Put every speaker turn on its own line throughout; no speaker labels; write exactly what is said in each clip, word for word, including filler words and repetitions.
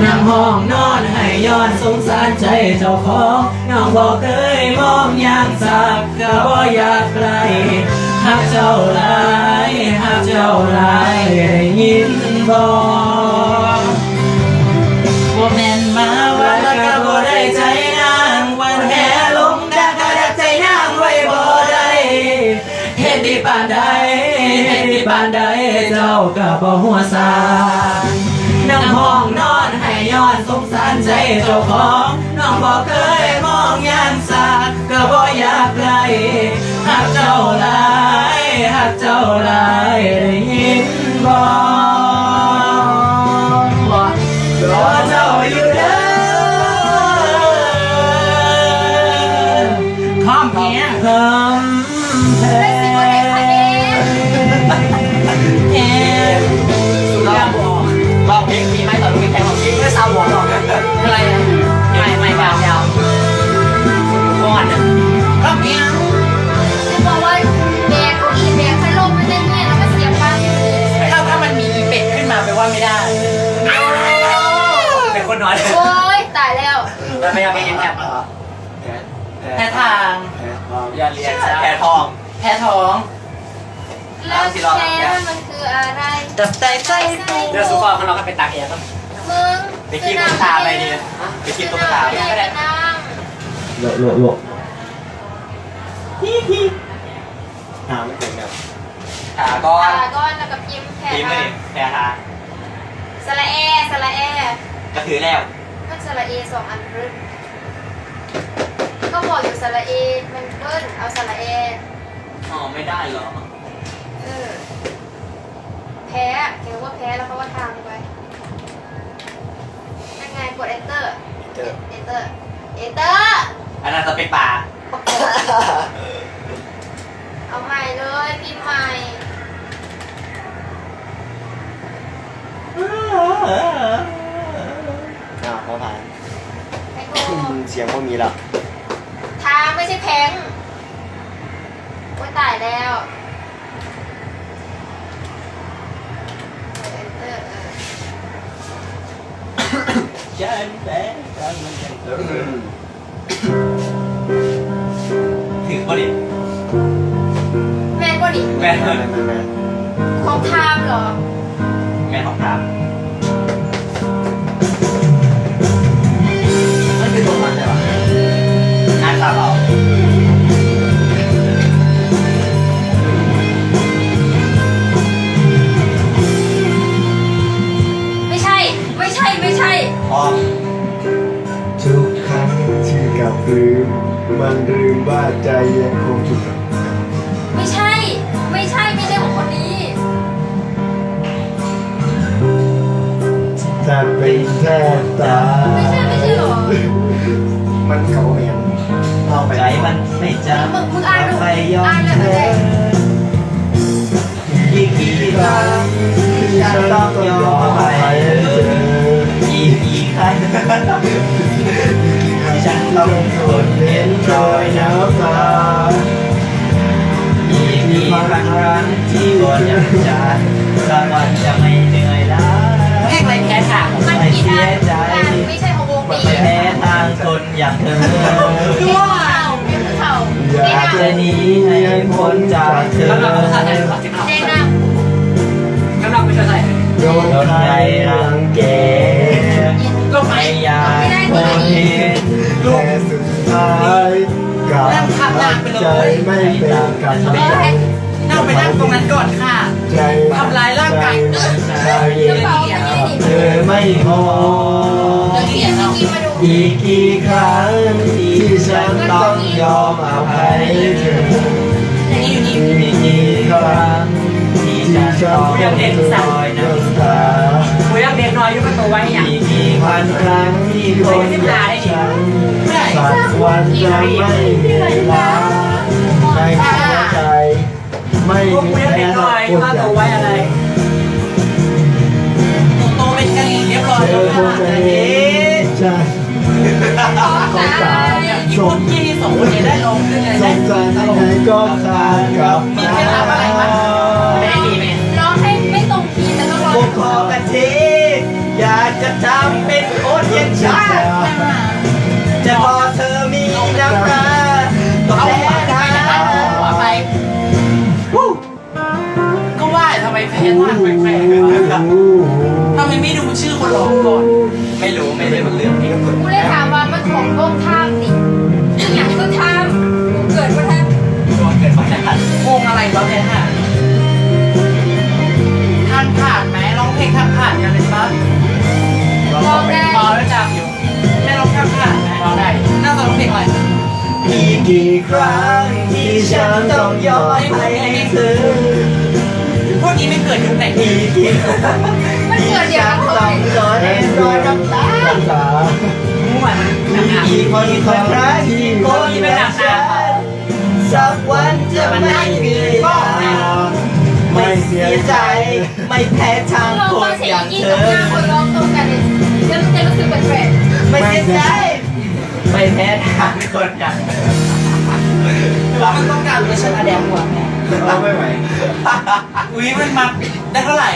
นั่งห้องนอนให้ย้อนสงสารใจเจ้าของน้องบอกเคยมองอย่างสักก็บ่อยากไกลหักเจ้าหลายหักเจ้าหลายได้ยินบ่บ่แม่นมาว่าแล้วก็บ่ได้ใจนางวันแห่ลงดักก็ดักใจนางไว้บ่ได้เฮ็ดดีปานใดเฮ็ดดีปานใดเจ้าก็บ่หัวซานั่งห้องนอนให้ย้อนสงสารใจเจ้าของน้องบ่เคยมองอย่างสักก็บ่อยากไกลหักเจ้าหลายหักเจ้าหลายได้ยินบ่รอเจ้าอยู่เด้อข้ามเพียงคำแพงเอ็มเราบอกบอกเพลงมีไหมตอนลูกแข่งของเพลงไม่ซาวบอกหรอกอะไรนะไม่ไม่ยาวยาวก้อนข้ามเพียง
จะบอกว่าแบกเขาอีแบกพัดลมมันเล่นเนี่ยแล้วก็เสียบปลั๊ก
ถ้าถ้ามันมีอีเป็ดขึ้นมาแปลว่าไม่ได้เป็นคนน้อย
โอ้ยตายแล้ว
แล้วไม่เอาไปเอ็นแอปเหรอแพ้ทางอย่าเรียนแพ้ทองแพ้ท้อง
แล้วแพ้มันคืออะไร
จับใจใจเดี๋ยวสุกรเขาเราก็ไปตักเองครับ
มึง
ไปคิดตุ๊กตาไปดิไปคิดตุ๊กตาไปก็ได้โลโลโลฮิฮิหาไม่ถึงครับขาก้อน
ขาก้อนแล้วก็พิมพ์แพ้
พิมพ์เลยแพ้ทาง
สระเอสระเอ
ก็ถือแล้ว
มันสระเอสองอันรึก็บอกอยู่สระเอมันเบิ้ลเอาสระเอ
อ๋อไม่ได้เหรอ
เออแพ้เขียนว่าแพ้แล้วเขาก็ทางไปยังไงกด enter enter enter
อันนั้นจะเป็นป่า
เอาใหม่เลยพิมพ์ใหม่
อ้าวเขาผ่านเสียงก็มีละ
ทางไม่ใช่แพงโอ้ยตายแล้ว
ฉันแพ้ฉันมันยังถือพอดี
แม่ก็ดิ
แม่แม่
แม่
ของทามเหรอ
แม่ของทามมันคือตัวมันใช่ปะอ่านข่าวเรา
ไม่ใช่ไม่ใช่ไม่ใช่
อ๋อ
ทุกครั้งที่กลับลืมมันลืมว่าใจยังคงถูก
ไม่ใช่ไม่ใช่ไม่ใช่ของคนนี้
แต่เป็นแค่ตา
ไม่ใช่ไม่ใช่หรอ
มันเขาเอง
เอาไปใจมันไม่จำ
มึงมึงอ่านดู
ไปยอม
อ่านเล
เธอกี่กี่ครั้งที่ฉันต้องยอมไปกี่กี่ครั้งที่ฉันต้องทนเห็นรอยน้ำตากี่กี่ครั้งที่ก่อนยังจะสักวันจะไม่เหนื่อยล้าแค่ไรแพ้ทางไม่เสียใจ
ไม่ใช่ของวงนี้
แพ้ทางคนอย่างเธอ
ว้าวเพียงเข่า
อยากจะหนีให้พ้นจากเธอ
เจ๊น้ำ
กำลังไปช่วยใส่โดนใครรังแกไม่อยากคนเห็น
แต่สุดท้ายกับใจไม่เป็นกัน
นั่งไปนั่งตรงนั้นก่อนค่ะทำร้ายร่างกายเธอไม่พออีกกี่ครั้งที่ฉันต้องยอมอภัยเธออีกกี่ครั้งที่ฉันต้องรอยน้ำตาคุยเด็กน้อยยุ่งกับตัวไว้อย่างอีกกี่พันครั้งที่คนอย่างฉันสักวันจะไม่เหนื่อยล้าในหัวใจไม่มีแม้คนอย่างตัวไว้อะไรโตเป็นกะหรี่เรียบร้อยแล้วค่ะใช่
ก็ตาย
ชมยี่สองคนนี้ได้ลงด้วยกันได้
สงสารยังไงก็ขาดกับ
มีเคล็ดลับอะไรบ้างไม่ได้ดีไหม
ร้องให้ไม่ตรงคีย์แต่ต้องร้อง
พอกันทีอยากจะทำเป็นทางแปลกๆวะทำไมไม่ดูชื่อคนร้องก่อน
ไม่รู้ไม่ได้เป็นเรื่องนี้ก็เปิด
กูเลยถามว่ามันของโลกท่ามดิอย่างก็ท่ามเกิดมาท่าม
ตัวเกิดมาได้
วงอะไรวะแพทย์ทางผ่านไหมร้องเพลงทางผ่านกันเลยปะ
ลองได้
พอแล้วจับอยู่ได้ร้องทางผ่านไหมร้องได้น่าจะร้องเพลงอะไร
มีกี่ครั้งที่ฉันต้องยอมให้เธอ
พวกนี้ไม่เกิดยุคไหน
มีกี่ครั้ง
มันเกิดเดี๋ยว
ต้
เขา
อง
เลย
รอให้รอยน้ำตาน้ำตา
มั่วมันหนักหนา
มีคนคนรักที่คนรักฉันสักวันจะไม่มีไม่เสียใจไม่แพ้ทาง
ลอง
ค
ฟั
น
งเสี
อย
ง
ย่าง
ยิน
เธ
กับ
อ
หน้าคนร้องตรงกันเลยแล้วมันจะรู้สึกแปลก
ไม่เสียใจไม่แพ้ทางคนอย่างเธอ
แล้วมันต้องการเวอร์ชันอะแดมกว่าแม่
เราไม่ไหว
อุ้ยมันมาได้เท่าไหร่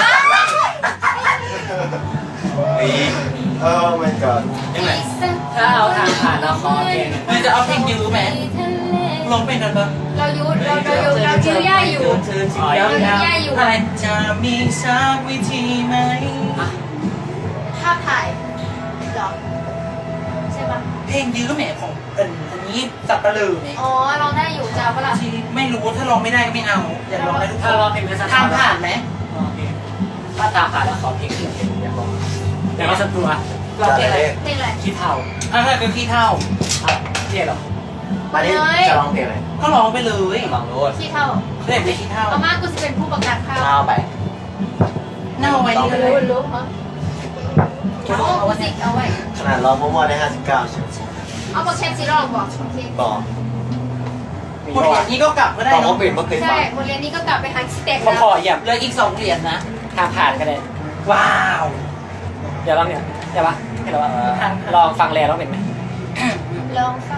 เออมันก่อน
ๆ
ยังไง
ถ้าเอาทางผ่านเราขอเพลง
มันจะเอาเพลงยูไหมร้องเป็นกันปะ
เรายุดเราเรายุดเรายื้อย่าอยู่
เธอที่ยังอะไรจะมีสักวิธีไหม
ภาพถ่ายหรอใช่ปะ
เพลงยื้อแหมของเอิญอันนี้สับปะลือไหม
อ๋อร้องได้อยู่จะเอาปะล่ะ
ที่ไม่รู้ถ้าร้องไม่ได้ก็ไม่เอาอย่าร้องได้ทุกคนทางผ่านไหม
ถ้าตามผ่านแล้วขอเพลงอื่นอยากลองอยากลองสักตัว
ร้องเพลงอะไร
เพลงอะไร
ขี้เท่า
อ่ะถ้าเป็นขี้เท่า
เท่หรอ
มาดิจะร้องเพลงอะไร
ก็ร้องไปเลย
ลองดู
ขี้เท่า
เล่นไปขี้เท่า
เอามากูจะเป็นผู้ประกาศข่าว
เท้าไป
เน่าไว้นี่เลย
รู้รู้ฮะเอาสิเอาไว้
ขนาดร้องมั่วๆได้ห้าสิบเก้าใช่ไหม
เอาบอกเชฟซีรองบอกโอเค
บอก
หมดเหรียญนี้ก็กลับก็ได้
บอก
เนาะ
ว่าปิดเมื่อคืน
ใช่
ฟัง
โรงเรียนนี้ก็กลับไปหาสเต็ก
มา
แล้ว
ขอเหยียบ
เหลืออีกสองเหรียญนะ
ทางผ่านกันเลย
ว้าว
เดี๋ยวลองเนี่ยเดี๋ยวปะให้เราว่าลองฟังแล้วเป็นไหม
ลองฟัง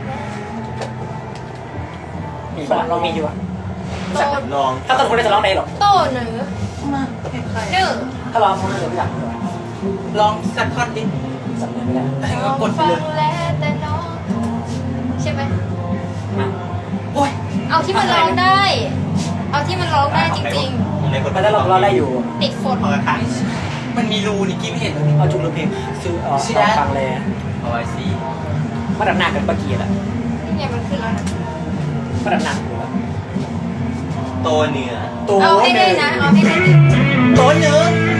มีปะเรามีอยู่อะ
โต
ลอง
ถ้าตอนคุณจะร้องได้หรอ
โตเหนือ
มาเพลงใคร
เนื้อ
ถ้าร้องคุณจะไม่อยากเลย
ลองสักท่อนดิ
จำเนื้อไม่ได้
ให้ก็กดไป
ฟัง
เลย
แล้วแต่น้องใช่ไหม
มา
โอ้ย
เอาที่มันร้องได้ เอาที่มันร้องได้จริง
มันจะร้องเราได้อยู่
ๆ ติดฝน
เอาค่ะ
มันมีรูนี่กี้ไม่เห็นเลย
เอาจุกหรือเพลงซื้อเอาลองฟังเลย
เอาไว้สิ
มาดับหนักกันปะกี้อะ
นี่ไงมันขึ้นแล้วนะ
มาดับหนักอยู่แล้ว
โตเหนือ
ตัว
เอาให้ได้นะ เอาให้ได้
โต๊ะเนื้อ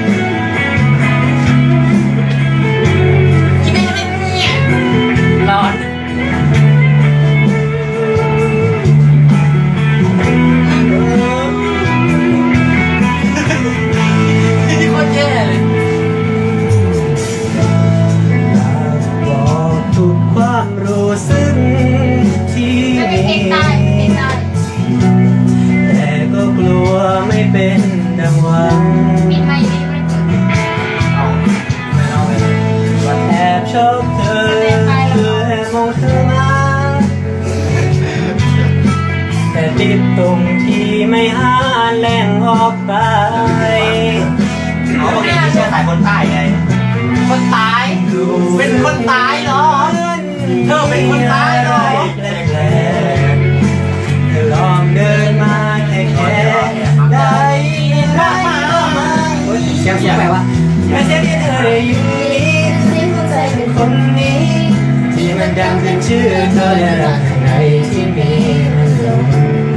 ที่ไม่ได้เนี่ย
ร้อน
ที่โคตรแย่เลย
บอกทุกความรู้สึกที่
ไม่เป็นเพลงใต้เพลงใต้
แต่ก็กลัวไม่เป็นดังหวัง
ปิดไมค์ไม่ได้เปิด
เอาไม่เอาไปเลยว่าแอบชอบเธอคือแอบมองเธอมาแต่ติดตรงที่ไม่หาแหล่งออกไปเขาบอกเองที่เชื่อสายคนใต้ไง
คนตาย เป็นคนตายเหรอ เธอเป็นคนตายเหรอ
เธอลองเดินมาแค่แค่ได้ยินไหมมาเสียงเสียงอะไรวะไม่ใช่ที่เธอได้อยู่นี้ที่เข้าใจเป็นคนนี้ ที่มันดังขึ้นชื่อเธอและรักข้างในที่มีมันหลง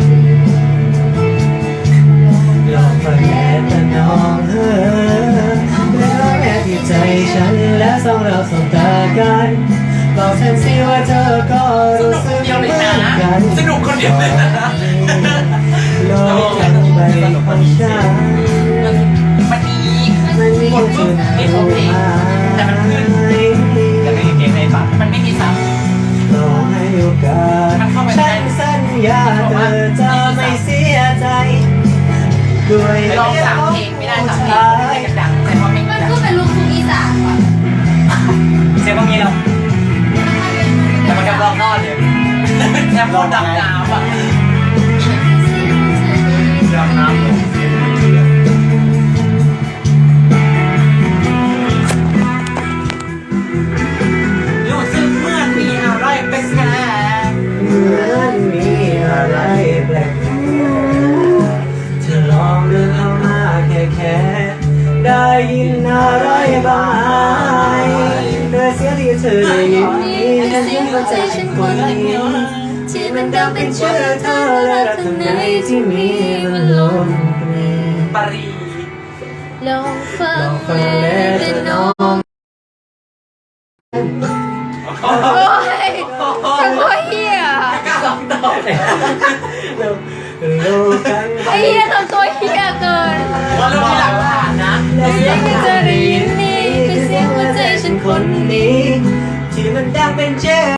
ลองฟังแค่แต่น้องเธอแล้วแอบที่ใจฉันและสองเราสบตากันบอกฉันสิว่าเธอก็รู้สึก
เดียว
เห
เล
มื
ย
อน
นะ
กัน
สนุกคนเดียวเลยนะ
ลอยจากใบของฉัน
มันดี
มันมีจุดหมาย
แต่มันขึ้น
จะไม่มีเพลงให้ฟัง
มันไม่มีซ้ำ
ต่อให้โอกาสฉันสัญญาเธอจะไม่เสียใจด้วย
ลองสามเพลงไม่ได้สามเพลงไม่ได้กันดังแต่ว่าไม่
มัน
ดัง
คือเป็นลูกทุ่งอีสานว่ะ
เสียงพวกนี้เรา
แต่มันกำลังรอดเลยแค่พอดังน้ำอ่ะ
ดำน้ำลง
รู้สึกเหมื่อนมีอะไรแปลก
เหมือนมีอะไรแปลกๆเธอลองเดินเข้ามายินอะไรบ้างไหมเธอเสียงที่เธอได้ยินนี้เป็นเสียงหัวใจฉันคนนี้ที่มันดังเป็นชื่อเธอและรักข้างในที่มีมันล้นเพลง
ปารี
ลองฟัง
ฟังแล้วจะน้อง
โอ้ยจังหวะเฮีย
กล้าลองตอบ
โลกัน
ไอ้เฮียทำตัวเฮียเกิน
ว่าเรามีหลักฐานนะ
และเสียงที่เธอได้ยินนี้คือเสียงหัวใจฉันคนนี้ที่มันดังเป็นเจ้